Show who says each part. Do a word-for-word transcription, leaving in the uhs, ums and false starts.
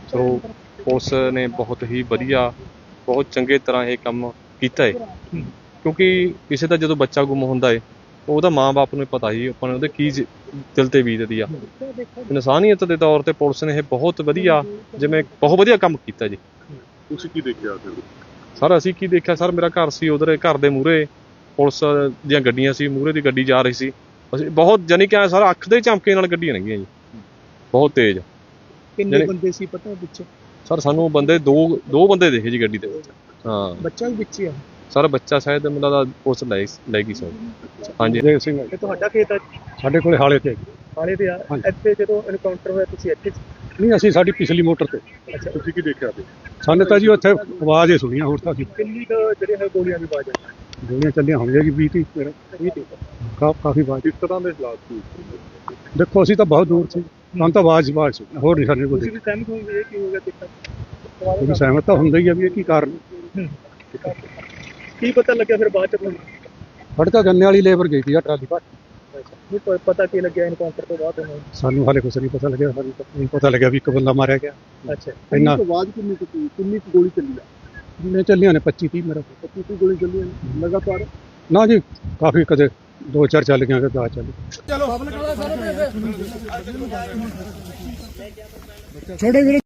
Speaker 1: So police ਨੇ ਬਹੁਤ ਹੀ ਵਧੀਆ ਬਹੁਤ ਚੰਗੇ ਤਰ੍ਹਾਂ ਇਹ ਕੰਮ ਕੀਤਾ ਹੈ, ਕਿਉਂਕਿ ਕਿਸੇ ਦਾ ਜਦੋਂ ਬੱਚਾ ਗੁੰਮ ਹੁੰਦਾ ਹੈ ਉਹਦਾ ਮਾਂ ਬਾਪ ਨੂੰ ਪਤਾ ਹੀ ਆਪਾਂ ਨੂੰ ਉਹਦੇ ਕੀ ਦਿਲ ਤੇ ਬੀਤਦੀ ਆ। ਇਨਸਾਨੀਅਤ ਦੇ ਤੌਰ ਤੇ ਪੁਲਿਸ ਨੇ ਇਹ ਬਹੁਤ ਵਧੀਆ ਜਿਵੇਂ ਬਹੁਤ ਵਧੀਆ ਕੰਮ ਕੀਤਾ ਜੀ।
Speaker 2: ਤੁਸੀਂ ਕੀ ਦੇਖਿਆ ਫਿਰ?
Speaker 1: ਸਰ ਅਸੀਂ ਕੀ ਦੇਖਿਆ ਸਰ, ਮੇਰਾ ਘਰ ਸੀ ਉਧਰ, ਘਰ ਦੇ ਮੂਹਰੇ ਪੁਲਿਸ ਦੀਆਂ ਗੱਡੀਆਂ ਸੀ, ਮੂਹਰੇ ਦੀ ਗੱਡੀ ਜਾ ਰਹੀ ਸੀ, ਅਸੀਂ ਬਹੁਤ ਜਾਨੀ ਕਿ ਸਰ ਅੱਖ ਦੇ ਝਮਕੇ ਨਾਲ ਗੱਡੀਆਂ ਲੰਘੀਆਂ ਜੀ, ਬਹੁਤ ਤੇਜ਼।
Speaker 3: ਕਿੰਨੇ ਬੰਦੇ ਸੀ ਪਤਾ ਵਿੱਚ?
Speaker 1: ਸਰ ਸਾਨੂੰ ਬੰਦੇ ਦੋ ਦੋ ਬੰਦੇ ਦੇਖੇ ਜੀ ਗੱਡੀ ਦੇ ਵਿੱਚ। ਹਾਂ,
Speaker 3: ਬੱਚਾ ਵੀ ਵਿੱਚ ਹੀ ਆ
Speaker 1: ਸਰ ਬੱਚਾ ਸ਼ਾਇਦ ਮੈਨੂੰ ਲੱਗਦਾ ਪੁਲਿਸ ਲੈ ਲੈ ਗਈ ਸਰ। ਹਾਂਜੀ
Speaker 3: ਦੇਵ ਸਿੰਘ। ਤੇ ਤੁਹਾਡਾ ਖੇਤ ਆ?
Speaker 4: ਸਾਡੇ ਕੋਲੇ ਹਾਲੇ ਤੇ
Speaker 3: ਹਾਲੇ ਤੇ ਆ। ਇੱਥੇ ਜਦੋਂ ਐਨਕਾਊਂਟਰ ਹੋਇਆ ਤੁਸੀਂ ਇੱਥੇ?
Speaker 4: ਨਹੀਂ, ਅਸੀਂ ਸਾਡੀ ਪਿਛਲੀ ਮੋਟਰ ਤੇ।
Speaker 3: ਅੱਛਾ,
Speaker 2: ਤੁਸੀਂ ਕੀ ਦੇਖਿਆ ਫਿਰ?
Speaker 4: ਸਾਨੂੰ ਤਾਂ ਜੀ ਉੱਥੇ ਆਵਾਜ਼ ਹੀ ਸੁਣੀਆਂ, ਹੋਰ ਤਾਂ ਅਸੀਂ
Speaker 3: ਕਿੰਨੀ ਕੁ ਜਿਹੜੇ ਹੈ ਗੋਲੀਆਂ ਦੀ ਆਵਾਜ਼ ਆ?
Speaker 4: ਗੋਲੀਆਂ ਚੱਲੀਆਂ ਹੋਣਗੀਆਂ ਜੀ ਵੀਹ ਤੀਹ ਮੇਰਾ ਕਾ ਕਾਫੀ ਆਵਾਜ਼।
Speaker 2: ਕਿਸ ਤਰ੍ਹਾਂ ਦੇ ਹਾਲਾਤ ਸੀ?
Speaker 4: ਦੇਖੋ ਅਸੀਂ ਤਾਂ ਬਹੁਤ ਦੂਰ ਸੀ, ਸਾਨੂੰ ਤਾਂ ਆਵਾਜ਼ ਆਵਾਜ਼ ਸੁਣੀ, ਹੋਰ ਨਹੀਂ ਸਾਡੇ ਕੋਲ।
Speaker 3: ਤੁਸੀਂ ਵੀ ਸਹਿਮਤ ਹੋਗੇ ਇਹ ਕੀ ਹੋ ਗਿਆ? ਦੇਖਾ
Speaker 4: ਤੁਸੀਂ ਸਹਿਮਤ ਤਾਂ ਹੁੰਦਾ ਹੀ ਆ ਵੀ ਇਹ ਕੀ ਕਾਰਨ।
Speaker 3: ਕੀ ਪਤਾ ਲੱਗਿਆ ਫਿਰ ਬਾਅਦ ਚ ਤੁਹਾਨੂੰ?
Speaker 4: ਸਾਡੇ ਤਾਂ ਗੰਨੇ ਵਾਲੀ ਲੇਬਰ ਗਈ ਸੀ ਆ ਟਰਾਲੀ ਭਰ।
Speaker 3: ਨਹੀਂ ਪ- ਪਤਾ ਕੀ ਲੱਗਿਆ ਐਨਕਾਊਂਟਰ ਤੋਂ ਬਾਅਦ ਤੁਹਾਨੂੰ?
Speaker 4: ਸਾਨੂੰ ਹਾਲੇ ਕੁਛ ਨਹੀਂ ਪਤਾ ਲੱਗਿਆ, ਸਾਨੂੰ ਤਾਂ ਨਹੀਂ ਪਤਾ ਲੱਗਿਆ ਵੀ ਇੱਕ ਬੰਦਾ ਮਾਰਿਆ ਗਿਆ।
Speaker 3: ਅੱਛਾ,
Speaker 4: ਇੰਨਾ
Speaker 2: ਆਵਾਜ਼ ਕਿੰਨੀ ਕੁ ਸੀ? ਕਿੰਨੀ ਕੁ ਗੋਲੀ ਚੱਲੀ ਆ?
Speaker 4: ਨੇ ਚੱਲੀਆਂ ਨੇ ਪੱਚੀ ਤੀਹ ਮੇਰਾ।
Speaker 2: ਪੱਚੀ ਤੀਹ ਗੋਲੀ ਚੱਲੀਆਂ ਨੇ ਲਗਾਤਾਰ?
Speaker 4: ਨਾ ਜੀ, ਕਾਫੀ ਕਦੇ ਦੋ ਚਾਰ ਚੱਲ ਗਈਆਂ, ਕਦੇ ਦਸ ਚੱਲ ਗਈਆਂ।
Speaker 3: ਛੋਟੇ ਵੀਰੇ